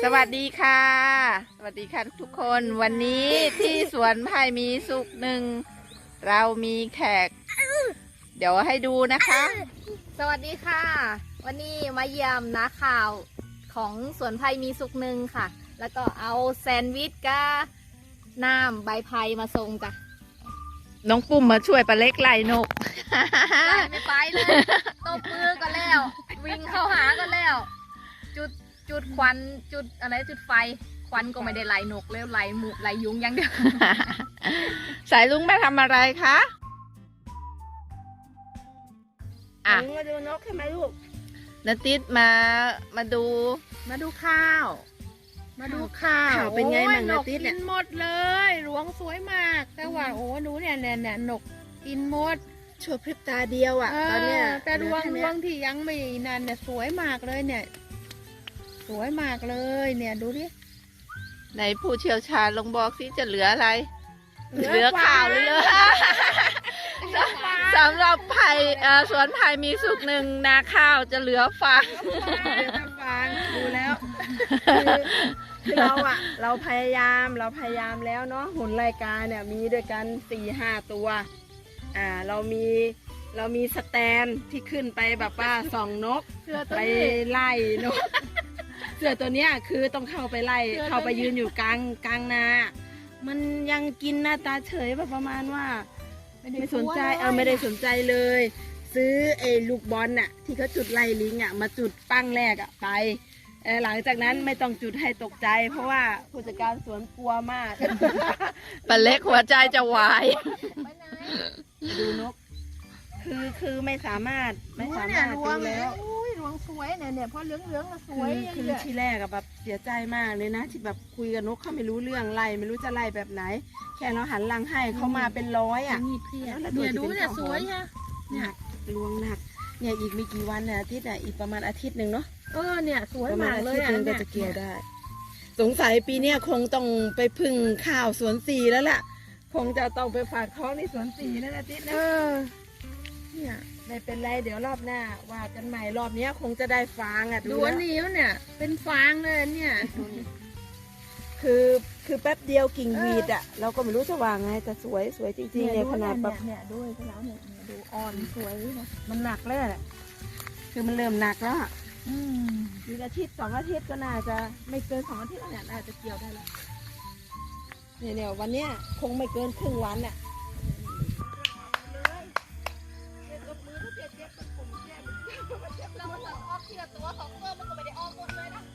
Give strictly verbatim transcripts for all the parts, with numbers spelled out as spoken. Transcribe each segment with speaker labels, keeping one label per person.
Speaker 1: สวัสดีค่ะสวัสดีค่ะทุกคนวันนี้ที่สวนไผ่มีสุขหนึ่งเรามีแขกเดี๋ยวให้ดูนะคะ
Speaker 2: สวัสดีค่ะวันนี้มาเยี่ยมนาข่าวของสวนไผ่มีสุขหนึ่งค่ะแล้วก็เอาแซนด์วิชกับน้ำใบไผ่มาส่งจ้ะ
Speaker 1: น้องปุ้มมาช่วยปลาเล็กไล่นก
Speaker 2: ได้ไม่ไปเลยตบมือก็แล้ววิ่งเข้าหาก็แล้วจุดจุดควันจุดอะไรจุดไฟควันก็ไม่ได้ไล่นกแล้วไล่หมูไล่ยุงอย่างเดียว
Speaker 1: สายลุงมาทำอะไรคะอ่ะ
Speaker 3: มาดูนกใช่ไหมลูก
Speaker 1: นาติดมามาดู
Speaker 3: มาดูข้าว มาดูข้าว
Speaker 1: ข่าวเป็นไง
Speaker 3: โอ้ย
Speaker 1: บ้าง
Speaker 3: น
Speaker 1: นะ
Speaker 3: ก
Speaker 1: ติ๊ดเนี่
Speaker 3: กิ
Speaker 1: ย
Speaker 3: นหมดเลยหลวงสวยมาก แต่ว่าโอ้หนูเนี่ยเนี่ยเนี่ยนกกินหมด
Speaker 1: ชั่วพริบตาเดียวอ่ะ
Speaker 3: เอ
Speaker 1: ตอนเนี้ย
Speaker 3: อแต่รวง
Speaker 1: เห
Speaker 3: ร
Speaker 1: ลือ
Speaker 3: ว
Speaker 1: แค่
Speaker 3: ง
Speaker 1: เนี้ย
Speaker 3: ที่ยังไม่นั่นเนี่ยสวยมากเลยเนี่ย สวยมากเลยเนี่ยดูดิ
Speaker 1: ไหนผู้เชี่ยวชาญลองบอกสิจะเหลืออะไร
Speaker 3: เหลือ
Speaker 1: เหลือข่าวหรือเหลือ สำหรับไผ่เอ่อสวนไผ่มีสุกหนึ่งนาข้าวจะเหลือฟาง
Speaker 3: เดี๋ยวจะฟังดูแล้วคือคือเราอะเราพยายามเราพยายามแล้วเนาะหุ่นรายการเนี่ยมีด้วยกันสี่ห้าตัวอ่าเรามีเรามีสแตนที่ขึ้นไปแบบว่าส่องนก
Speaker 2: เสื้อตัว
Speaker 3: ไป
Speaker 2: นี้
Speaker 3: ไล่นก เสือตัวเนี้ยคือต้องเข้าไปไล่
Speaker 2: เสือตัวนี้
Speaker 3: เข้าไปยืนอยู่กลางกลางนา มันยังกินหน้าตาเฉยแบบประมาณว่า ไม่สนใจเออไม่ได้สนใจเลย ซื้อไอ้ลูกบอลน่ะที่เขาจุดไล่ลิงอ่ะมาจุดปั้งแรกอ่ะไปเออหลังจากนั้นไม่ต้องจุดให้ตกใจ เพราะว่าผู้จัดการสวนกลัวมาก
Speaker 1: ปลาเล็กหัวใจจะวาย
Speaker 2: ไปไหน
Speaker 3: ดูนก คือคือไม่สามารถไม่สามารถ
Speaker 2: ร
Speaker 3: ดู
Speaker 2: วง
Speaker 3: แล้ว
Speaker 2: อุ้ยรวงสวยเนี่ยเนี่ยพอเหลืองเหลืองๆส
Speaker 3: คื
Speaker 2: วย
Speaker 3: อ
Speaker 2: อย่าง
Speaker 3: คือ
Speaker 2: เงี้ย
Speaker 3: ที่แรกอะแบบเสียใจมากเลยนะ ที่แบบคุยกับนกเขาไม่รู้เรื่องไล่ไม่รู้จะไล่แบบไหน แค่เราหันหลังให้เขามาเป็นร้อยอะ
Speaker 2: นี่เพี้ย
Speaker 3: แล้ว
Speaker 2: เนี่ย
Speaker 3: ตัว
Speaker 2: ดู
Speaker 3: ที่เป็น
Speaker 2: เนี่ย
Speaker 3: ข้าว
Speaker 2: สวย
Speaker 3: หอม
Speaker 2: ฮะ
Speaker 3: หนักลวงหนักเนี่ยอีกไม่กี่วันเนี่ยอาทิตย์อ่ะอีกประมาณอาทิตย์หนึ่งเนาะ
Speaker 2: เออเนี่ยสวย
Speaker 3: ประมาณ
Speaker 2: มาก
Speaker 3: อา
Speaker 2: เล
Speaker 3: ทิ
Speaker 2: ย
Speaker 3: ตย์ห
Speaker 2: อ่ะ
Speaker 3: นึ่งก็
Speaker 2: เนี่ย
Speaker 3: จะเกี่ยวได้ สงสัยปีเนี้ยคงต้องไปพึ่งข้าวสวนสีแล้วล่ะ คงจะต้องไปฝากท้องในสวนสีนั่นอาทิตย์นะ
Speaker 2: เออ
Speaker 3: เนี่ยไม่เป็นไรเดี๋ยวรอบหน้าว่ากันใหม่รอบเนี้ยคงจะได้ฟางอ่ะ
Speaker 2: ดู
Speaker 3: ดู
Speaker 2: อัน
Speaker 3: แล้ว
Speaker 2: นี้เนี่ย เป็นฟางเลยเนี่ย
Speaker 3: คือคือแป๊บเดียวกิ่งวีดอ่ะเราก็ไม่รู้จะวางไงแต่สวยสวยจริงๆเนี่ยขนาดแบบ
Speaker 2: เนี่ยดูขนาดเนี่ยเนี่ยดูอ่อนสวยนะ
Speaker 3: มันหนักแล้วแหละคือมันเริ่มหนักแล้วอะ
Speaker 2: อืม
Speaker 3: อีกอาทิตย์สองอาทิตย์ก็น่าจะไม่เกินสองอาทิตย์แล้วเนี่ยน่าจะเกี่ยวได้แล้วเนี่ยเนี่ยวันเนี้ยคงไม่เกินครึ่งวันเนี่ย
Speaker 2: เราเหลือออกทีละตัวสองตัวมันก็ไม่ได้ออกหมดเลยนะ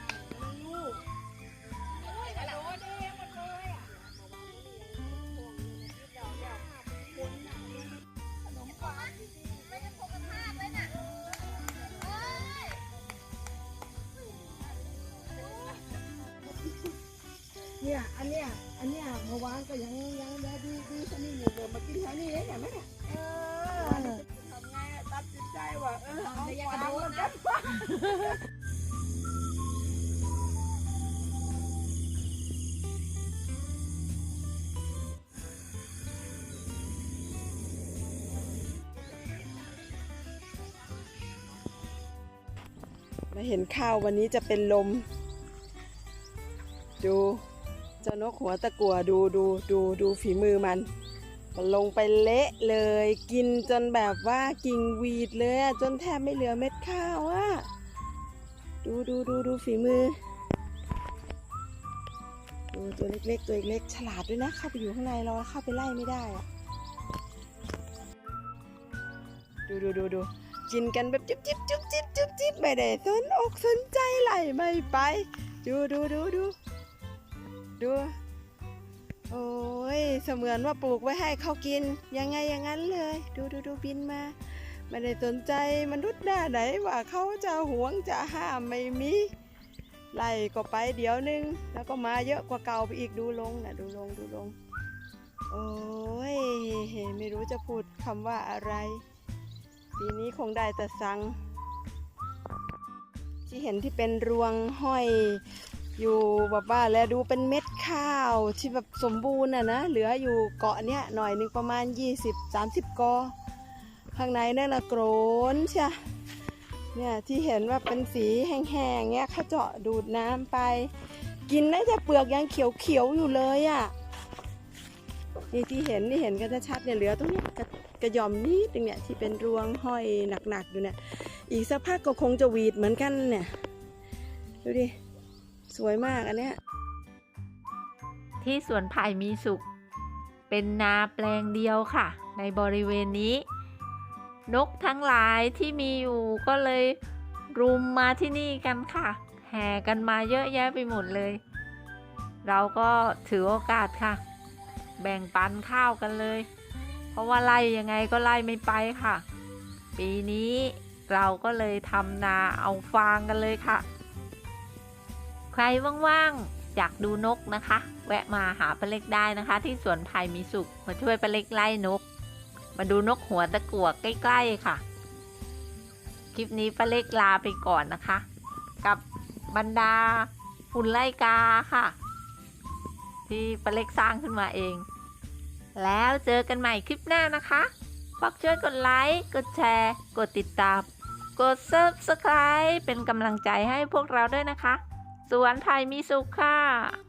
Speaker 3: เนี่ยอันเนี้ยอันเนี้ยเมื่อวานก็ยังยังได้ดีดีสนิทอยู่เลยมากินแถวนี้เลยเห็นไหมเนี่ย
Speaker 2: เออ
Speaker 3: ทำไงอะตัดสินใจว่าเออเอา
Speaker 2: ไม่อยาก
Speaker 3: ฟาก
Speaker 2: ระ
Speaker 3: ง
Speaker 2: โดด
Speaker 3: แล้ว
Speaker 2: นะ
Speaker 3: กันมาเห็นข้าววันนี้จะเป็นลม ดูเจ้านกหัวตะกั่วดูดูดูดูฝีมือมันมันลงไปเละเลย กินจนแบบว่ากิ่งวีดเลยอะจนแทบไม่เหลือเม็ดข้าวอะดูดูดูดูฝีมือ ดูตัวเล็กๆตัวเล็กๆฉลาดด้วยนะเข้าไปอยู่ข้างในเราเข้าไปไล่ไม่ได้อะดูดูดูดูกินกันแบบจิ๊บจิ๊บจุ๊บจิ๊บจุ๊บจิ๊บไม่ได้สนอกสนใจไล่ไม่ไปดูดูดูดูดูโอ้ยเสมือนว่าปลูกไว้ให้เขากินยังไงอย่างนั้นเลยดูดูดูบินมาไม่ได้สนใจมนุษย์หน้าไหนว่าเขาจะหวงจะห้ามไม่มีไล่ก็ไปเดี๋ยวนึงแล้วก็มาเยอะกว่าเก่าไปอีกดูลงนะดูลงดูลงโอ้ยไม่รู้จะพูดคำว่าอะไรปีนี้คงได้แต่สั่งที่เห็นที่เป็นรวงห้อยอยู่แบบว่าแล้วดูเป็นเม็ดข้าวที่แบบสมบูรณ์อ่ะนะเหลืออยู่เกาะเนี้ยหน่อยหนึ่งประมาณ ยี่สิบ สามสิบ กอข้างในนั่นนะโกรนใช่เนี่ยที่เห็นว่าเป็นสีแห้งๆเนี่ยเขาเจาะดูดน้ำไป กินได้แต่เปลือกยังเขียวๆอยู่เลยอ่ะนี่ที่เห็นนี่เห็นกันชัดๆเนี่ยเหลือตรงเนี้ยกระกระหย่อมนิดนึงเนี่ยที่เป็นรวงห้อยหนักๆอยู่เนี่ยอีกสักพักก็คงจะหวีดเหมือนกันเนี่ยดูดิสวยมากอันเนี้ย
Speaker 1: ที่สวนไผ่มีสุขเป็นนาแปลงเดียวค่ะในบริเวณนี้ นกทั้งหลายที่มีอยู่ก็เลยรุมมาที่นี่กันค่ะแห่กันมาเยอะแยะไปหมดเลย เราก็ถือโอกาสค่ะ แบ่งปันข้าวกันเลย เพราะว่าไล่ยังไงก็ไล่ไม่ไปค่ะ ปีนี้เราก็เลยทำนาเอาฟางกันเลยค่ะ ใครว่างๆอยากดูนกนะคะ แวะมาหาป้าเล็กได้นะคะ ที่สวนไผ่มีสุขมาช่วยป้าเล็กไล่นก มาดูนกหัวตะกั่วใกล้ๆค่ะ คลิปนี้ป้าเล็กลาไปก่อนนะคะ กับบรรดาฝุ่นไล่กาค่ะ ที่ป้าเล็กสร้างขึ้นมาเอง แล้วเจอกันใหม่คลิปหน้านะคะฝากช่วยกดไลค์กดแชร์กดติดตามกด ซับสไครบ์ เป็นกำลังใจให้พวกเราด้วยนะคะสวนไผ่มีสุขค่ะ